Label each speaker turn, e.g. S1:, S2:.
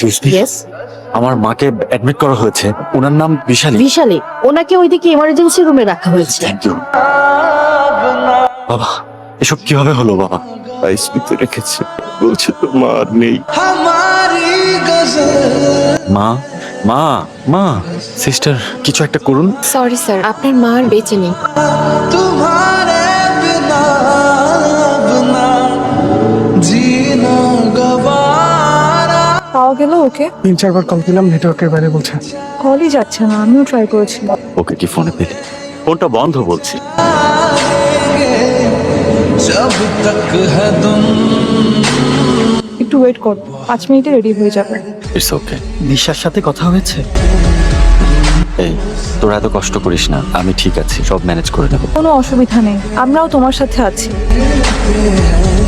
S1: Excuse me,
S2: yes.
S1: আমার মাকে admit করা হয়েছে। ওনার নাম বিশালী।
S2: বিশালী, ওনাকে ওইদিকে ইমার্জেন্সি রুমে রাখা হয়েছে।
S1: Thank you. বাবা, এসব কিভাবে হলো বাবা? আইসিইউতে রেখেছে, বলছে তো মা আর নেই। মা, মা, মা, সিস্টার, কিছু একটা করুন।
S3: সরি স্যার, আপনার মা আর বেঁচে নেই।
S4: পাওয়া গেল ওকে?
S5: 3-4 বার কল দিলাম, নেটওয়ার্কের বাইরে বলছে।
S4: কলই যাচ্ছে না, আমিও ট্রাই করেছিলাম।
S1: ওকে কি ফোনে পেলে? ফোনটা বন্ধ বলছি।
S4: একটু ওয়েট কর, 5 মিনিটে রেডি হয়ে যাবে।
S1: It's okay.
S5: নিশার সাথে কথা হয়েছে?
S1: এই, তোরা এত কষ্ট করিস না, আমি ঠিক আছি, সব ম্যানেজ করে নেব।
S4: কোনো অসুবিধা নেই, আমরাও তোমার সাথে আছি।